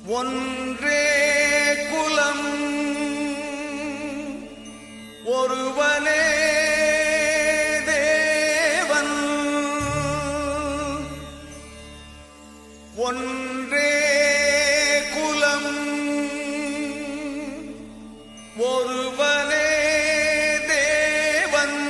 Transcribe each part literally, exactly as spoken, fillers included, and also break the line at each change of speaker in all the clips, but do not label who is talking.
ஒன்றே குலம் ஒருவனே தேவன். ஒன்றே குலம் ஒருவனே தேவன்.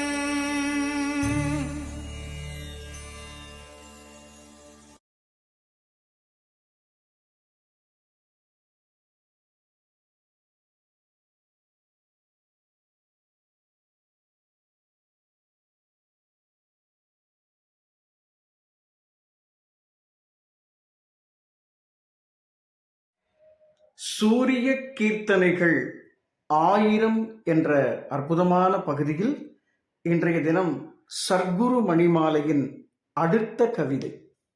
சூரிய கீர்த்தனைகள் ஆயிரம் என்ற அற்புதமான பகுதியில் இன்றைய தினம் சர்க்குரு மணிமாலையின் அடுத்த கவிதை.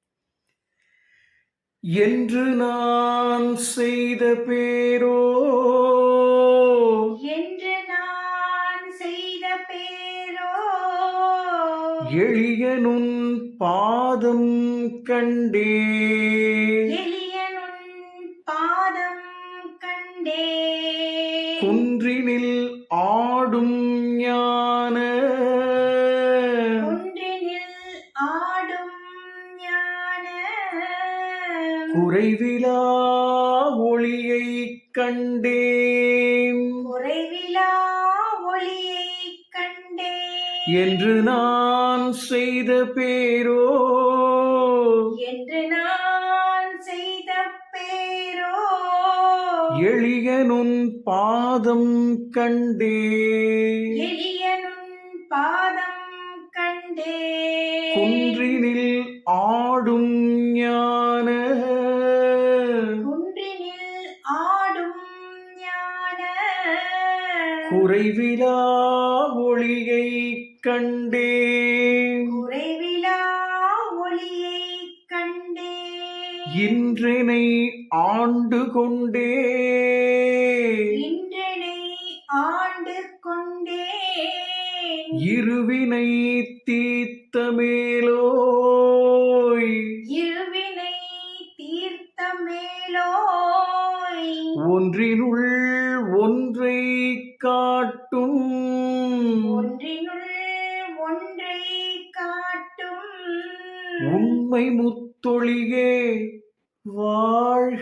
என்று நான் செய்த பேரோ
என்று நான் செய்த பேரோ
எளியனுன் பாதம் கண்டே
எளியனுன் பாதம் கண்டே
குன்றினில் ஆடும் ஞான
குன்றினில் ஆடும் ஞான
குறைவிலா ஒளியை கண்டேன்
குறைவிலா ஒளியை கண்டே
என்று நான் செய்த பேரோ
என்று நான் செய்த பேரோ
எளியனுன் பாதம் கண்டே
எளியனுன் பாதம் கண்டே
குன்றினில் ஆடும் ஞான
குன்றினில் ஆடும் ஞான
குறைவிலா ஒளியை கண்டேன்
குறைவிலா ஒளியை கண்டே
இன்றனை ஆண்டு கொண்டே
இன்றனை ஆண்டு கொண்டே
இருவினை தீர்த்த மேலோய்
இருவினை தீர்த்த மேலோய்
ஒன்றினுள் ஒன்றை காட்டும்
ஒன்றினுள் ஒன்றை காட்டும்
உண்மை முத்தொழியே வாழ்க.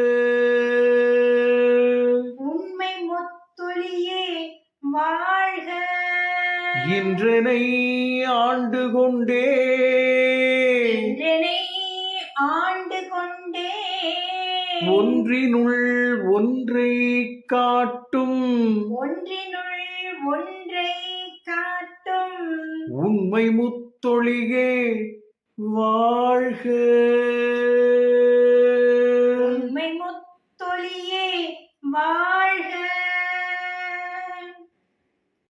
உண்மை முத்தொழியே வாழ்க.
இன்றனை ஆண்டு கொண்டே
இன்றனை ஆண்டு கொண்டே
ஒன்றினுள் ஒன்றை காட்டும்
ஒன்றினுள் ஒன்றை காட்டும்
உண்மை முத்தொழியே வாழ்க.